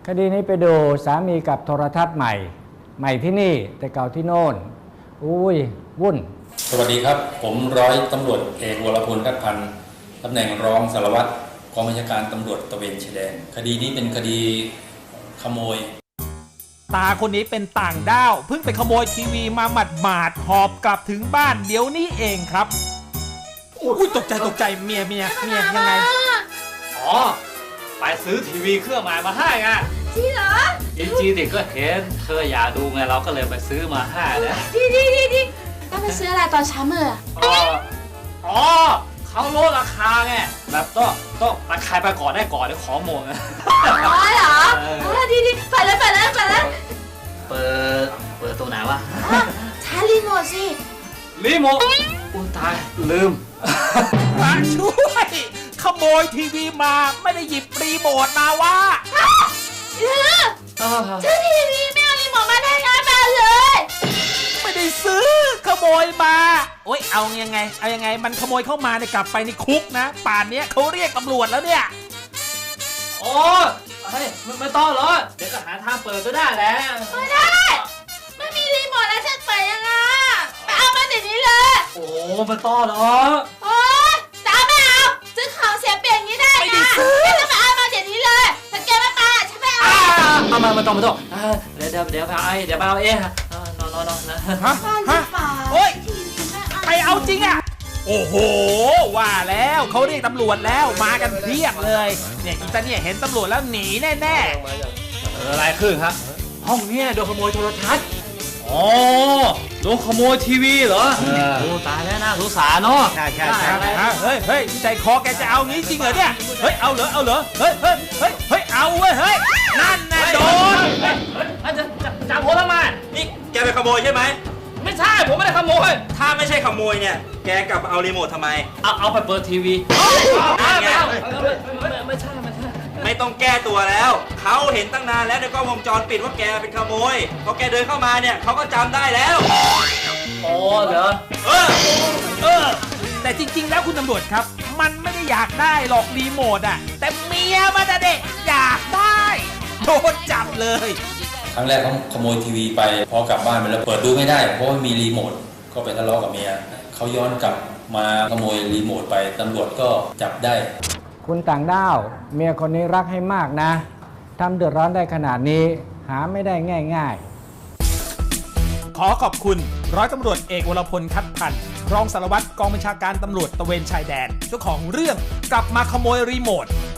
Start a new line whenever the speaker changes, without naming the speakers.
คดีนี้ไปดูสามีกับโทรทัศน์ใหม่ที่นี่แต่เก่าที่โน่นอุ้ยวุ่น
สวัสดีครับผมร้อยตำรวจเอกวรพลคัดพันธ์ตำแหน่งรองสารวัตรกองบัญชาการตำรวจตระเวนชายแดนคดีนี้เป็นคดีขโมย
ตาคนนี้เป็นต่างด้าวเพิ่งไปขโมยทีวีมาหมาดหอบกลับถึงบ้านเดี๋ยวนี้เองครับอุ้ยตกใจเมียยังไง
อ๋อไปซื้อทีวีเครื่องใหม่มาให้ไง
จริงเหรอ
จริงๆเด็กก็เห็นเธออยากดูไงเราก็เลยไปซื้อมาให้นะ
ดีก็ไปซื้ออะไรตอนเช้ามืด
อ๋อเขาลดราคาไงแบบต้องราคาไปก่อนได้ก่อนเดี๋ยวของหมด
อ๋อเหรอดีไปแล้วเ
ปิดตัวไหนวะ
ใช้รีโมทสิ
รีโมทอุ้ยตายลืม
มาช่วยขโมยทีวีมาไม่ได้หยิบรีโมทมาวะ
ซื้อทีวีไม่เอารีโมทมาได้ไงแม่เลย
ไม่ได้ซื้อขโมยมาโอ๊ยเอายังไงมันขโมยเข้ามาเนี่ยกลับไปในคุกนะป่านนี้เขาเรียกตำรวจแล้วเนี่ย
โอ้ยไม่ต้องหรอกเดี๋ยวก็หาทางเปิดก็ได้แหละ
ไม่ได้ไม่มีรีโมทแล้วฉันเปิดยังไงไปเอามาเดี๋ยวนี้เลย
โอ้ไม่ต้องหรอก
โอ๊ยจ้าไม่เอาซื้อของเสียเปลี่ยนอย่างนี้ได้ไงจะมาเอามาเดี๋ยวนี้เลยถ้าแกไม่มาฉันไม่เอา
เอามาไม่ต้องเดี๋ยวไปเอาเองนอนนะ
ฮะโอ๊ยใครเอาจริงอ่ะโอ้โหว่าแล้วเขาเรียกตำรวจแล้วมากันเพียบเลยเนี่ยอีตาเนี่ยเห็นตำรวจแล้วหนีแน่
อะไรขึ้นครับห้องนี้โดนขโมยโทรทัศน์อ๋อโดนขโมยทีวีเหรอโอ้ตายแล้วนะสงสารเนาะ
ใช่เฮ้ยใจคอแกจะเอางี้จริงเหรอเนี่ยเฮ้ยเอาเหรอเฮ้ยเอาเว้ยเฮ้ยนั่นน่ะโดน
จับผมทำไม
นี่แกไปขโมยใช่ไหม
ไม่ใช่ผมไม่ได้ขโมย
ถ้าไม่ใช่ขโมยเนี่ยแกกลับเอารีโมททำไม
เอาไปเปิดทีวีไม่ใช่
ไม่ต้องแก้ตัวแล้วเขาเห็นตั้งนานแล้วในกล้องวงจรปิดว่าแกเป็นขโมยพอแกเดินเข้ามาเนี่ยเขาก็จำได้แล้ว
โอ้เหรอ
แต่จริงๆแล้วคุณตำรวจครับมันไม่ได้อยากได้หรอกรีโมทอ่ะแต่เมียมันเด็กอยากได้โดนจับเลย
ครั้งแรกเขาขโมยทีวีไปพอกลับบ้านไปแล้วเปิดดูไม่ได้เพราะว่ามีรีโมทก็ไปทะเลาะกับเมียเขาย้อนกลับมาขโมยรีโมทไปตำรวจก็จับได้
คุณต่างด้าวเมียคนนี้รักให้มากนะทำเดือดร้อนได้ขนาดนี้หาไม่ได้ง่าย
ขอขอบคุณร้อยตำรวจเอกวรพลคัดพันธ์รองสารวัตรกองบัญชาการตำรวจตระเวนชายแดนเจ้าของเรื่องกลับมาขโมยรีโมท